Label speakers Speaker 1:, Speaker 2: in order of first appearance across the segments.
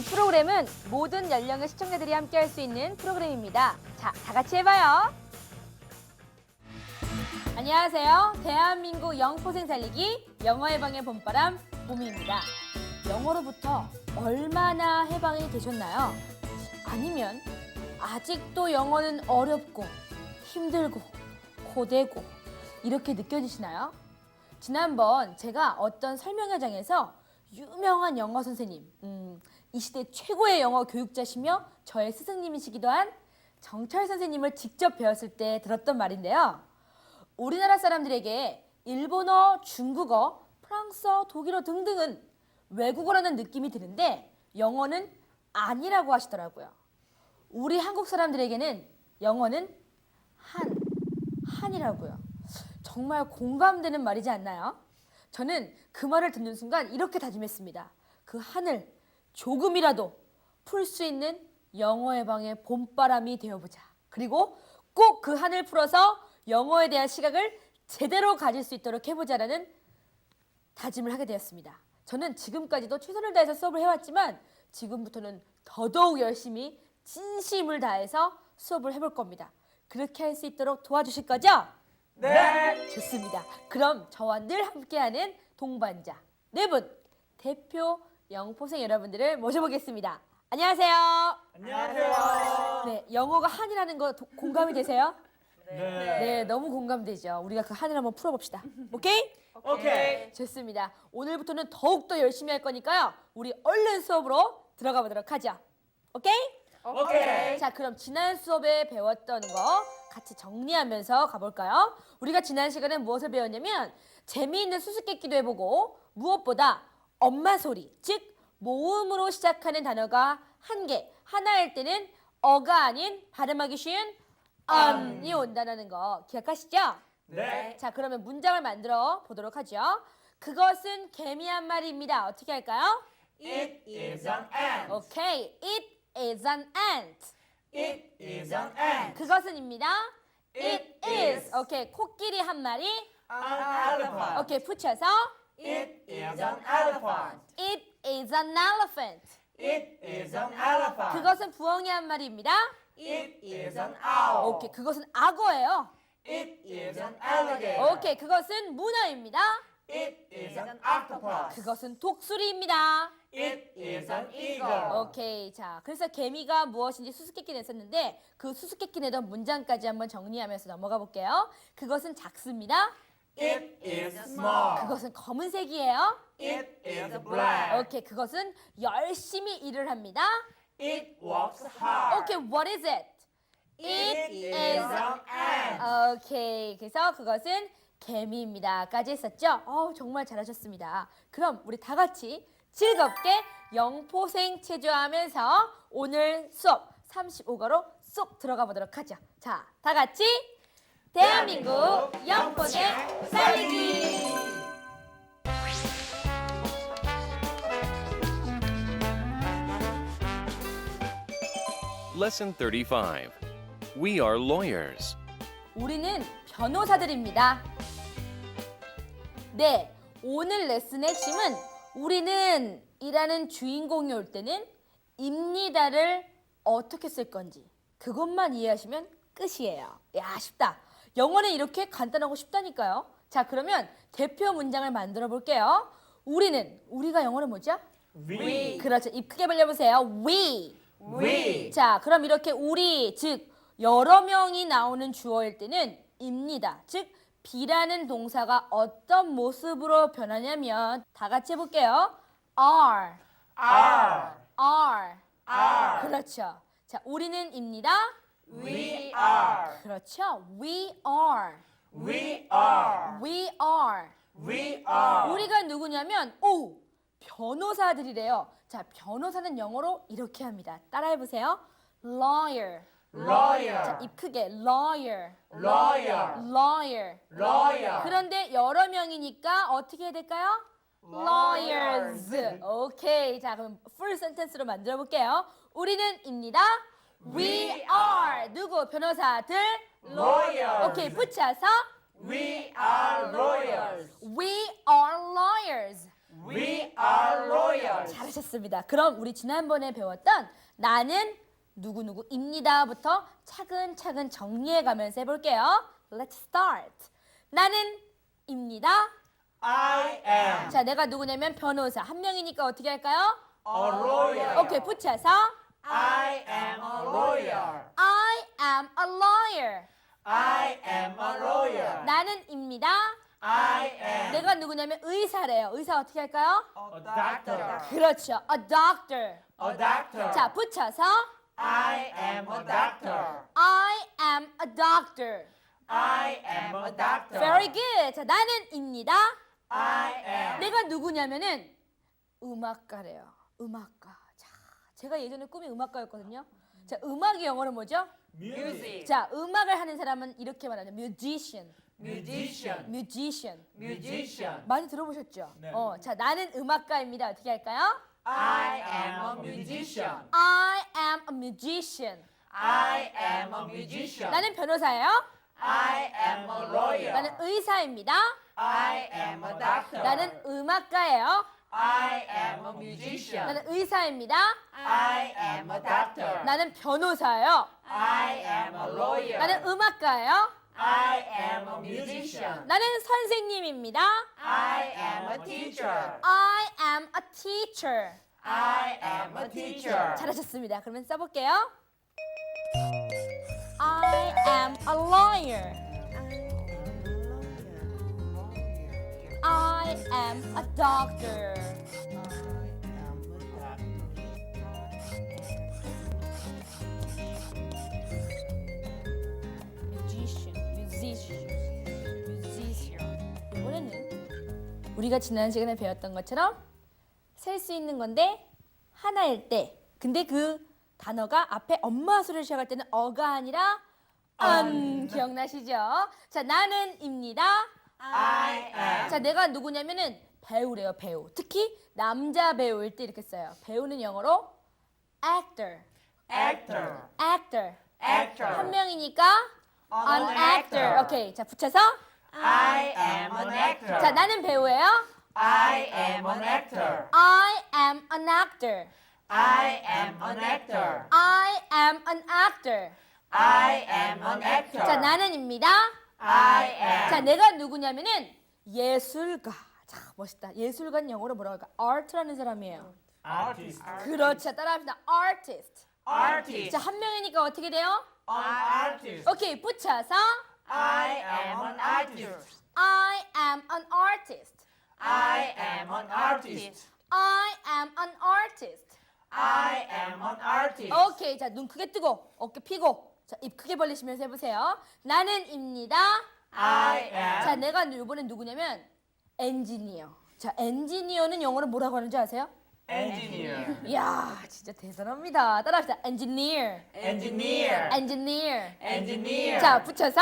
Speaker 1: 이 프로그램은 모든 연령의 시청자들이 함께할 수 있는 프로그램입니다. 자, 다 같이 해봐요. 안녕하세요. 대한민국 영포생 살리기 영어 해방의 봄바람 봄입니다. 영어로부터 얼마나 해방이 되셨나요? 아니면 아직도 영어는 어렵고 힘들고 고되고 이렇게 느껴지시나요? 지난번 제가 어떤 설명 현장에서 유명한 영어 선생님, 이 시대 최고의 영어 교육자시며 저의 스승님이시기도 한 정철 선생님을 직접 배웠을 때 들었던 말인데요. 우리나라 사람들에게 일본어, 중국어, 프랑스어, 독일어 등등은 외국어라는 느낌이 드는데 영어는 아니라고 하시더라고요. 우리 한국 사람들에게는 영어는 한이라고요. 정말 공감되는 말이지 않나요? 저는 그 말을 듣는 순간 이렇게 다짐했습니다. 그 한을 조금이라도 풀 수 있는 영어 해방의 봄바람이 되어보자. 그리고 꼭 그 한을 풀어서 영어에 대한 시각을 제대로 가질 수 있도록 해보자라는 다짐을 하게 되었습니다. 저는 지금까지도 최선을 다해서 수업을 해왔지만 지금부터는 더더욱 열심히 진심을 다해서 수업을 해볼 겁니다. 그렇게 할 수 있도록 도와주실 거죠?
Speaker 2: 네.
Speaker 1: 좋습니다. 그럼 저와 늘 함께하는 동반자 네 분 대표 영포생 여러분들을 모셔보겠습니다. 안녕하세요.
Speaker 2: 안녕하세요.
Speaker 1: 네, 영어가 한이라는 거 공감이 되세요?
Speaker 2: 네.
Speaker 1: 네, 너무 공감되죠. 우리가 그 한을 한번 풀어봅시다. 오케이?
Speaker 2: 오케이.
Speaker 1: 좋습니다. 오늘부터는 더욱더 열심히 할 거니까요. 우리 얼른 수업으로 들어가 보도록 하죠. 오케이?
Speaker 2: 오케이.
Speaker 1: 자, 그럼 지난 수업에 배웠던 거 같이 정리하면서 가볼까요? 우리가 지난 시간에 무엇을 배웠냐면 재미있는 수수께끼도 해보고 무엇보다 엄마 소리, 즉 모음으로 시작하는 단어가 한 개, 하나일 때는 어가 아닌 발음하기 쉬운 이 온다는 거 기억하시죠?
Speaker 2: 네.
Speaker 1: 자, 그러면 문장을 만들어 보도록 하죠. 그것은 개미 한 마리입니다. 어떻게 할까요?
Speaker 2: It is an ant.
Speaker 1: 오케이. It is an ant.
Speaker 2: It is an ant.
Speaker 1: 그것은입니다.
Speaker 2: It
Speaker 1: is.
Speaker 2: is.
Speaker 1: 오케이. 코끼리 한 마리.
Speaker 2: An elephant.
Speaker 1: 오케이. 붙여서
Speaker 2: It is an elephant.
Speaker 1: It is an elephant.
Speaker 2: It is an elephant.
Speaker 1: 그것은 부엉이 한 마리입니다.
Speaker 2: It is an owl.
Speaker 1: 오케이. 그것은 악어예요.
Speaker 2: It is an alligator.
Speaker 1: 오케이. 그것은 문어입니다.
Speaker 2: It is an octopus.
Speaker 1: 그것은 독수리입니다.
Speaker 2: It is an eagle.
Speaker 1: 오케이. 자, 그래서 개미가 무엇인지 수수께끼 냈었는데 그 수수께끼 내던 문장까지 한번 정리하면서 넘어가 볼게요. 그것은 작습니다.
Speaker 2: It is small.
Speaker 1: 그것은 검은색이에요.
Speaker 2: It is black.
Speaker 1: 오케이. 그것은 열심히 일을 합니다.
Speaker 2: It works hard.
Speaker 1: 오케이. What is it?
Speaker 2: It is an ant.
Speaker 1: 오케이. 그래서 그것은 개미입니다.까지 했었죠? 정말 잘하셨습니다. 그럼 우리 다 같이 즐겁게 영포생 체조하면서 오늘 수업 35과로 쏙 들어가 보도록 하죠. 자, 다 같이 대한민국 영포생 살리기!
Speaker 3: Lesson 35. We are lawyers.
Speaker 1: 우리는 변호사들입니다. 네, 오늘 레슨의 핵심은 우리는 이라는 주인공이 올 때는 입니다를 어떻게 쓸 건지 그것만 이해하시면 끝이에요. 야, 쉽다. 영어는 이렇게 간단하고 쉽다니까요. 자, 그러면 대표 문장을 만들어 볼게요. 우리가 영어로 뭐죠?
Speaker 2: We.
Speaker 1: 그렇죠. 입 크게 벌려보세요. We.
Speaker 2: We.
Speaker 1: 자, 그럼 이렇게 우리, 즉 여러 명이 나오는 주어일 때는 입니다. 즉 be라는 동사가 어떤 모습으로 변하냐면 다 같이 해볼게요. are,
Speaker 2: Are.
Speaker 1: are.
Speaker 2: Are.
Speaker 1: 그렇죠. 자, 우리는 입니다.
Speaker 2: We are.
Speaker 1: 그렇죠. we are,
Speaker 2: We are.
Speaker 1: we are.
Speaker 2: We are.
Speaker 1: 우리가 누구냐면 변호사들이래요. 자, 변호사는 영어로 이렇게 합니다. 따라해보세요. lawyer.
Speaker 2: Lawyer.
Speaker 1: 자, 입 크게 lawyer,
Speaker 2: Lawyer.
Speaker 1: lawyer.
Speaker 2: Lawyer.
Speaker 1: 그런데 여러 명이니까 어떻게 해야 될까요? lawyers. 오케이. 자, 그럼 full sentence로 만들어 볼게요. 우리는입니다. We are. 누구? 변호사들.
Speaker 2: Lawyers.
Speaker 1: 오케이. 붙여서
Speaker 2: We are lawyers.
Speaker 1: we are lawyers.
Speaker 2: We are lawyers.
Speaker 1: 잘하셨습니다. 그럼 우리 지난번에 배웠던 나는 누구누구입니다부터 차근차근 정리해가면서 해볼게요. Let's start. 나는 입니다.
Speaker 2: I am
Speaker 1: 자, 내가 누구냐면 변호사. 한 명이니까 어떻게 할까요?
Speaker 2: a lawyer.
Speaker 1: 오케이, 붙여서
Speaker 2: I am a lawyer.
Speaker 1: I am a lawyer.
Speaker 2: I am a lawyer.
Speaker 1: 나는 입니다.
Speaker 2: I am
Speaker 1: 내가 누구냐면 의사래요. 의사 어떻게 할까요?
Speaker 2: a doctor.
Speaker 1: 그렇죠. A doctor.
Speaker 2: A doctor.
Speaker 1: 자, 붙여서
Speaker 2: I am a doctor.
Speaker 1: I am a doctor.
Speaker 2: I am a doctor.
Speaker 1: Very good. 자, 나는 입니다.
Speaker 2: I am
Speaker 1: 내가 누구냐면은 음악가래요. 음악가. 자, 제가 예전에 꿈이 음악가였거든요. 자, 음악이 영어로 뭐죠?
Speaker 2: music.
Speaker 1: 자, 음악을 하는 사람은 이렇게 말하죠. musician.
Speaker 2: musician.
Speaker 1: musician.
Speaker 2: musician.
Speaker 1: 많이 들어보셨죠?
Speaker 2: 네.
Speaker 1: 자, 나는 음악가입니다. 어떻게 할까요?
Speaker 2: I am a musician.
Speaker 1: I am a musician.
Speaker 2: I am a musician.
Speaker 1: 나는 변호사예요.
Speaker 2: I am a lawyer.
Speaker 1: 나는 의사입니다.
Speaker 2: I am a doctor.
Speaker 1: 나는 음악가예요.
Speaker 2: I am a musician.
Speaker 1: 나는 의사입니다.
Speaker 2: I am a doctor.
Speaker 1: 나는 변호사예요.
Speaker 2: I am a lawyer.
Speaker 1: 나는 음악가예요.
Speaker 2: I am a musician.
Speaker 1: 나는 선생님입니다.
Speaker 2: I am a teacher.
Speaker 1: I am a teacher.
Speaker 2: I am a teacher.
Speaker 1: 잘하셨습니다. 그러면 써볼게요. I am a lawyer. I am a doctor. musician. 이번에는 우리가 지난 시간에 배웠던 것처럼 셀 수 있는 건데 하나일 때, 근데 그 단어가 앞에 엄마 소리를 시작할 때는 어가 아니라 기억나시죠? 자, 나는입니다.
Speaker 2: I am
Speaker 1: 자, 내가 누구냐면은 배우래요, 배우. 특히 남자 배우일 때 이렇게 써요. 배우는 영어로 actor.
Speaker 2: actor.
Speaker 1: actor.
Speaker 2: actor.
Speaker 1: 한 명이니까
Speaker 2: An
Speaker 1: an actor.
Speaker 2: actor.
Speaker 1: 오케이. 자, 붙여서
Speaker 2: I am an actor.
Speaker 1: 자, 나는 배우예요.
Speaker 2: I am an actor.
Speaker 1: I am an actor.
Speaker 2: I am an actor.
Speaker 1: I am an actor.
Speaker 2: I am an actor.
Speaker 1: 자, 나는입니다.
Speaker 2: I am
Speaker 1: 자, 내가 누구냐면은 예술가. 자, 멋있다. 예술가는 영어로 뭐라고 할까? art라는 사람이에요.
Speaker 2: artist.
Speaker 1: 그렇죠. 따라합시다. artist.
Speaker 2: artist.
Speaker 1: 자, 한 명이니까 어떻게 돼요?
Speaker 2: an artist.
Speaker 1: 오케이. 붙여서
Speaker 2: I am an artist.
Speaker 1: I am an artist.
Speaker 2: I am an artist.
Speaker 1: I am an artist.
Speaker 2: I am an artist.
Speaker 1: 오케이. 자, 눈 크게 뜨고 어깨 펴고 자, 입 크게 벌리시면서 해보세요. 나는입니다.
Speaker 2: I am
Speaker 1: 자, 내가 이번엔 누구냐면 엔지니어. 자, 엔지니어는 영어로 뭐라고 하는지 아세요?
Speaker 2: engineer.
Speaker 1: 이야, 진짜 대단합니다. 따라합시다. engineer.
Speaker 2: engineer.
Speaker 1: engineer.
Speaker 2: engineer.
Speaker 1: 자, 붙여서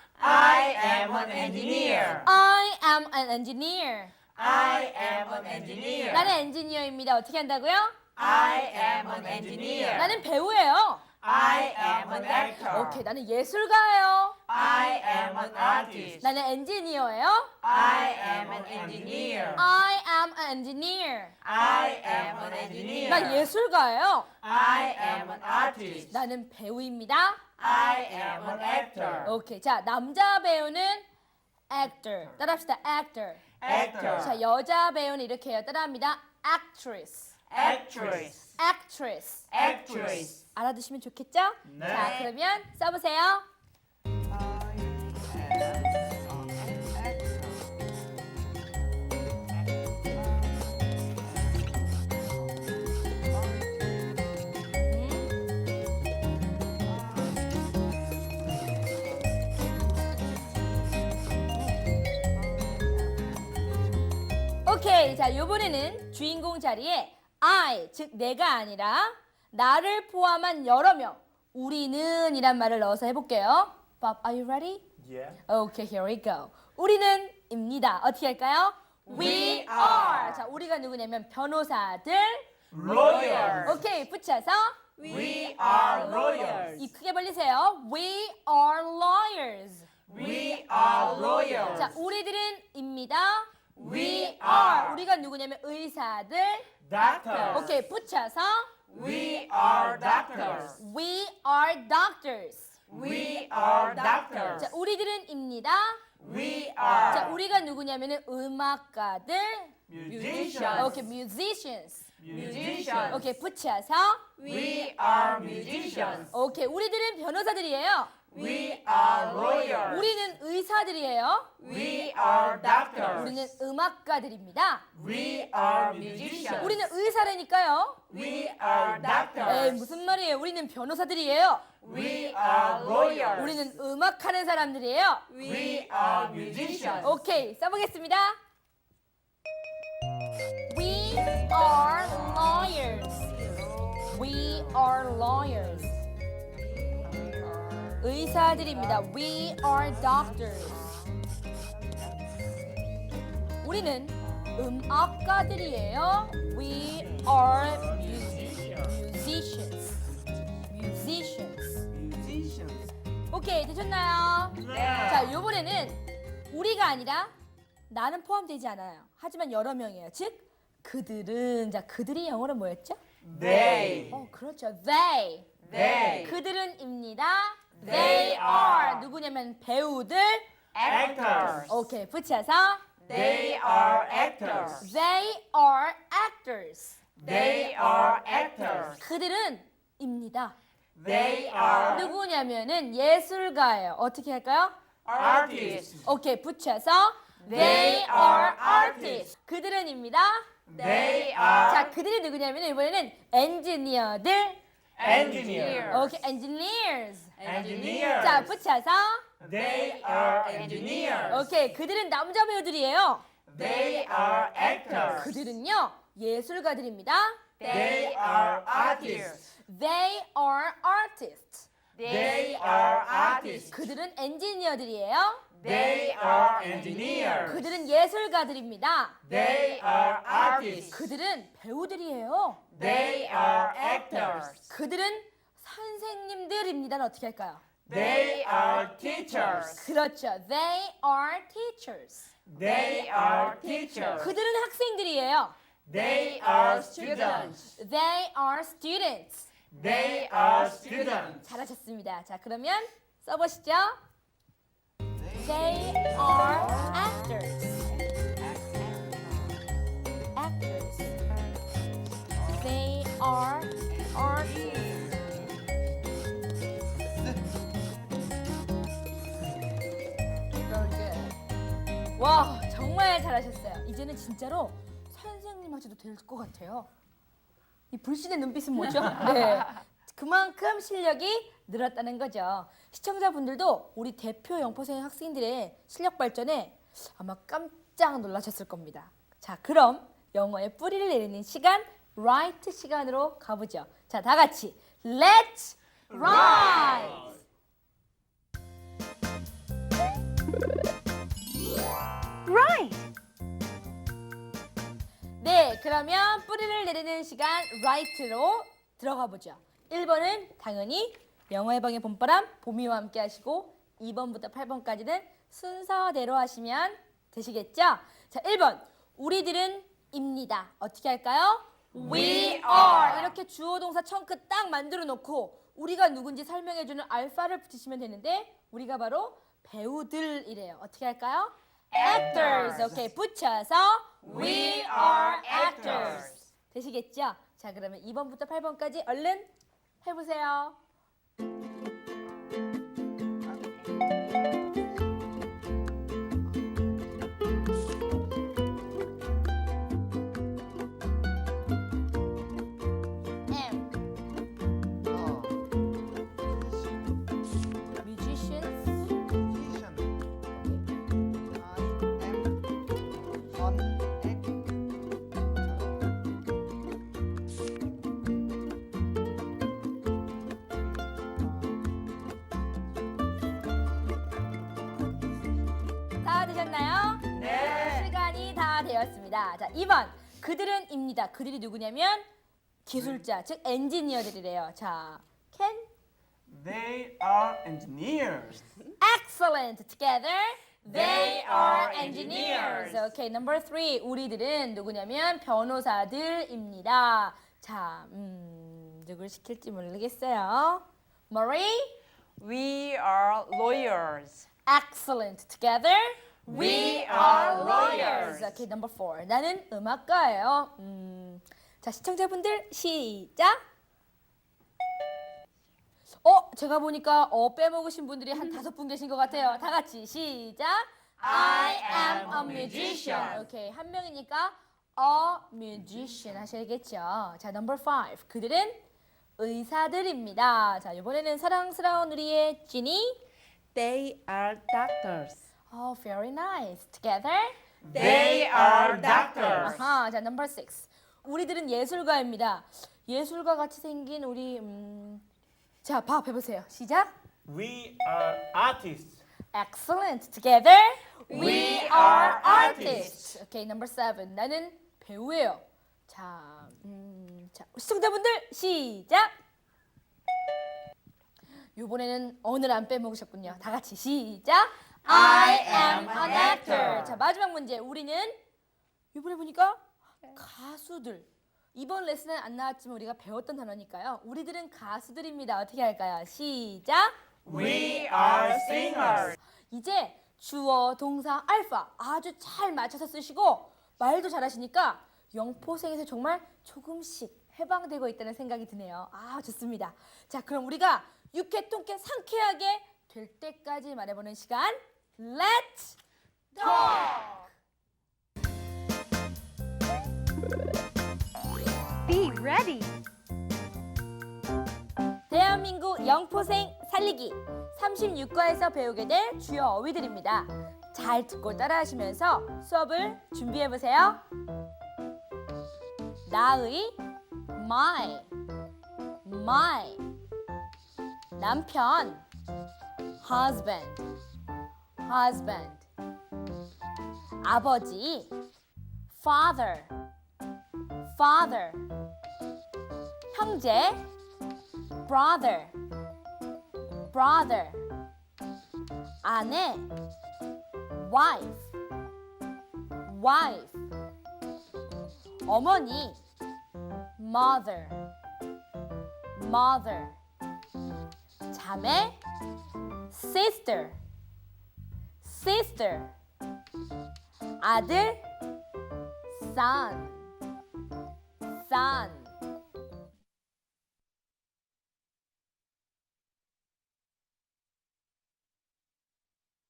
Speaker 2: I am an engineer.
Speaker 1: I am an engineer.
Speaker 2: I am an engineer.
Speaker 1: 나는 엔지니어입니다. 어떻게 한다고요?
Speaker 2: I am an engineer.
Speaker 1: 나는 배우예요.
Speaker 2: I am an actor.
Speaker 1: 오케이, 나는 예술가예요.
Speaker 2: I am an artist.
Speaker 1: 나는 엔지니어예요.
Speaker 2: I am an engineer.
Speaker 1: I am an engineer.
Speaker 2: I am an engineer.
Speaker 1: 나 예술가예요.
Speaker 2: I am an artist.
Speaker 1: 나는 배우입니다.
Speaker 2: I am an actor.
Speaker 1: 오케이, 자, 남자 배우는 actor. 따라합시다. actor.
Speaker 2: actor.
Speaker 1: 자, 여자 배우는 이렇게 해요. 따라합니다. actress.
Speaker 2: actress.
Speaker 1: actress.
Speaker 2: actress.
Speaker 1: 알아두시면 좋겠죠?
Speaker 2: 네.
Speaker 1: 자, 그러면 써보세요. 오케이, 자, 요번에는 주인공 자리에 I, 즉 내가 아니라 나를 포함한 여러 명, 우리는 이란 말을 넣어서 해볼게요. Bob, are you ready?
Speaker 2: Yeah.
Speaker 1: Okay, here we go. 우리는 입니다. 어떻게 할까요? We are. 자, 우리가 누구냐면 변호사들.
Speaker 2: Lawyers.
Speaker 1: 오케이, 붙여서
Speaker 2: We are lawyers.
Speaker 1: 입 크게 벌리세요. We are lawyers.
Speaker 2: We are lawyers.
Speaker 1: 자, 우리들은 입니다.
Speaker 2: We are.
Speaker 1: 우리가 누구냐면 의사들.
Speaker 2: Doctors.
Speaker 1: 오케이, 붙여서
Speaker 2: We are doctors.
Speaker 1: We are doctors.
Speaker 2: We are doctors.
Speaker 1: 자, 우리들은입니다.
Speaker 2: We
Speaker 1: 자,
Speaker 2: are
Speaker 1: 우리가 누구냐면은 음악가들.
Speaker 2: musicians.
Speaker 1: 오케이, musicians.
Speaker 2: Musicians.
Speaker 1: 오케이, 붙여서
Speaker 2: We are musicians.
Speaker 1: 오케이, 우리들은 변호사들이에요.
Speaker 2: We are lawyers.
Speaker 1: 우리는 의사들이에요.
Speaker 2: We are doctors.
Speaker 1: 우리는 음악가들입니다.
Speaker 2: We are musicians.
Speaker 1: 우리는 의사라니까요.
Speaker 2: We are
Speaker 1: 에이,
Speaker 2: doctors.
Speaker 1: 무슨 말이에요? 우리는 변호사들이에요.
Speaker 2: We are lawyers.
Speaker 1: 우리는 음악하는 사람들이에요.
Speaker 2: We are musicians.
Speaker 1: 오케이, 써보겠습니다. We are lawyers. We are lawyers. 의사들입니다. We are doctors. 우리는 음악가들이에요. We are musicians. Musicians. 오케이, 되셨나요? 자, 이번에는 우리가 아니라 나는 포함되지 않아요. 하지만 여러 명이에요. 즉, 그들은. 자, 그들이 영어로 뭐였죠?
Speaker 2: They.
Speaker 1: 그렇죠. They.
Speaker 2: They.
Speaker 1: 그들은입니다.
Speaker 2: They are.
Speaker 1: 누구냐면 배우들.
Speaker 2: Actors.
Speaker 1: 오케이, 붙여서
Speaker 2: They are actors.
Speaker 1: They are actors.
Speaker 2: They are actors.
Speaker 1: 그들은입니다.
Speaker 2: They are
Speaker 1: 누구냐면은 예술가예요. 어떻게 할까요?
Speaker 2: artists.
Speaker 1: 오케이, 붙여서
Speaker 2: They are artists.
Speaker 1: 그들은입니다.
Speaker 2: They
Speaker 1: 자,
Speaker 2: are
Speaker 1: 그들이 누구냐면 이번에는 엔지니어들.
Speaker 2: engineers.
Speaker 1: 오케이, engineers.
Speaker 2: Engineers.
Speaker 1: 자, 붙여서
Speaker 2: They are engineers.
Speaker 1: 오케이, 그들은 남자 배우들이에요.
Speaker 2: They are actors.
Speaker 1: 그들은요 예술가들입니다.
Speaker 2: They are artists.
Speaker 1: They are artists.
Speaker 2: They are artists.
Speaker 1: 그들은 엔지니어들이에요.
Speaker 2: They are engineers.
Speaker 1: 그들은 예술가들입니다.
Speaker 2: They are artists.
Speaker 1: 그들은 배우들이에요.
Speaker 2: They are actors.
Speaker 1: 그들은 선생님들입니다는 어떻게 할까요?
Speaker 2: They are teachers.
Speaker 1: 그렇죠. They are teachers.
Speaker 2: They are teachers.
Speaker 1: 그들은 학생들이에요.
Speaker 2: They are students.
Speaker 1: They are students.
Speaker 2: They are students.
Speaker 1: 잘하셨습니다. 자, 그러면 써보시죠. They are actors. Actors. They are artists. Very good. 와, 정말 잘하셨어요. 이제는 진짜로 선생님 하셔도 될 것 같아요. 이 불신의 눈빛은 뭐죠? 네. 그만큼 실력이 늘었다는 거죠. 시청자분들도 우리 대표 영포생 학생들의 실력 발전에 아마 깜짝 놀라셨을 겁니다. 자, 그럼 영어의 뿌리를 내리는 시간, write 시간으로 가보죠. 자, 다 같이 Let's write! 네, 그러면 뿌리를 내리는 시간 write로 들어가 보죠. 1번은 당연히 영어의 방의 봄바람 봄이와 함께 하시고 2번부터 8번까지는 순서대로 하시면 되시겠죠? 자, 1번 우리들은 입니다. 어떻게 할까요? We are 이렇게 주어 동사 청크 딱 만들어 놓고 우리가 누군지 설명해주는 알파를 붙이시면 되는데 우리가 바로 배우들이래요. 어떻게 할까요? Actors. 오케이, 붙여서 We are actors. 되시겠죠? 자, 그러면 2번부터 8번까지 얼른 해보세요. Musicians. 다 되셨나요?
Speaker 2: 네.
Speaker 1: 시간이 다 되었습니다. 자, 2번. 그들은입니다. 그들이 누구냐면 기술자, 즉 엔지니어들이래요. 자, can
Speaker 4: They are engineers.
Speaker 1: excellent together.
Speaker 2: They are engineers.
Speaker 1: Okay, number 3. 우리들은 누구냐면 변호사들입니다. 자, 누굴 시킬지 모르겠어요. Marie?
Speaker 2: We are lawyers.
Speaker 1: Excellent. Together?
Speaker 2: We are lawyers.
Speaker 1: Okay, number 4. 나는 음악가예요. 자, 시청자분들 시작. 제가 보니까 빼먹으신 분들이 한 5분 계신 것 같아요. 다 같이 시작.
Speaker 2: I am a musician.
Speaker 1: 오케이, 한 명이니까 a musician 하셔야겠죠. 자, number 5. 그들은 의사들입니다. 자, 이번에는 사랑스러운 우리의 지니.
Speaker 2: They are doctors.
Speaker 1: Oh, very nice. Together?
Speaker 2: They are doctors.
Speaker 1: 아하, 자, number 6. 우리들은 예술가입니다. 예술가 같이 생긴 우리 자, 밥 해보세요. 시작.
Speaker 4: We are artists.
Speaker 1: Excellent. Together?
Speaker 2: We are artists.
Speaker 1: Okay, number 7. 나는 배우예요. 자, 자, 시청자분들 시작. 이번에는 오늘 안 빼먹으셨군요. 다 같이 시작.
Speaker 2: I am an actor.
Speaker 1: 자, 마지막 문제. 우리는 이번에 보니까 가수들. 이번 레슨은 안 나왔지만 우리가 배웠던 단어니까요. 우리들은 가수들입니다. 어떻게 할까요? 시작.
Speaker 2: We are singers.
Speaker 1: 이제 주어, 동사, 알파 아주 잘 맞춰서 쓰시고 말도 잘하시니까 영포생에서 정말 조금씩 해방되고 있다는 생각이 드네요. 아, 좋습니다. 자, 그럼 우리가 유쾌, 통쾌, 상쾌하게 될 때까지 말해보는 시간. Let's talk!
Speaker 5: Be ready.
Speaker 1: 대한민국 영포생 살리기 36과에서 배우게 될 주요 어휘들입니다. 잘 듣고 따라하시면서 수업을 준비해보세요. 나의 my 남편 husband 아버지 father 형제 brother 아내 wife 어머니 mother 자매 sister 아들 son